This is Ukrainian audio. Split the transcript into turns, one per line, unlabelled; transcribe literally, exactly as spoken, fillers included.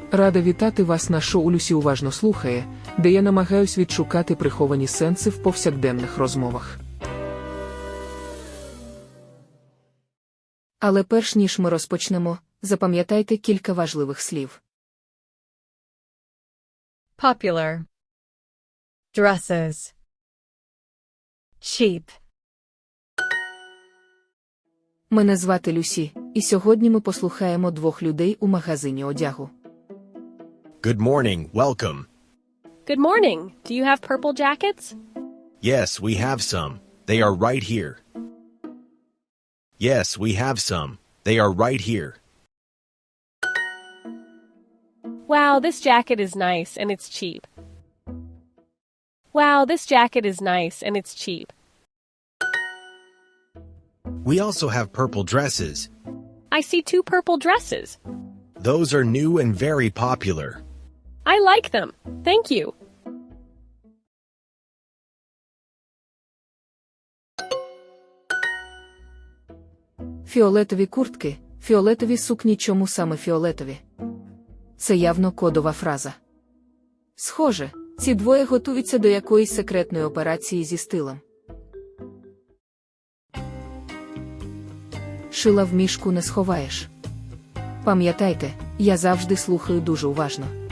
Рада вітати вас на шоу «Люсі уважно слухає», де я намагаюсь відшукати приховані сенси в повсякденних розмовах.
Але перш ніж ми розпочнемо, запам'ятайте кілька важливих слів.
Popular. Dresses. Cheap.
Мене звати Люсі, і сьогодні ми послухаємо двох людей у магазині одягу.
Good morning, welcome.
Good morning. Do you have purple jackets?
Yes, we have some. They are right here. Yes, we have some. They are right here.
Wow, this jacket is nice and it's cheap. Wow, this jacket is nice and it's cheap.
We also have purple dresses.
I see two purple dresses.
Those are new and very popular.
I like them. Thank you.
Фіолетові куртки, фіолетові сукні. Чому саме фіолетові? Це явно кодова фраза. Схоже, ці двоє готуються до якоїсь секретної операції зі стилем. Шила в мішку не сховаєш. Пам'ятайте, я завжди слухаю дуже уважно.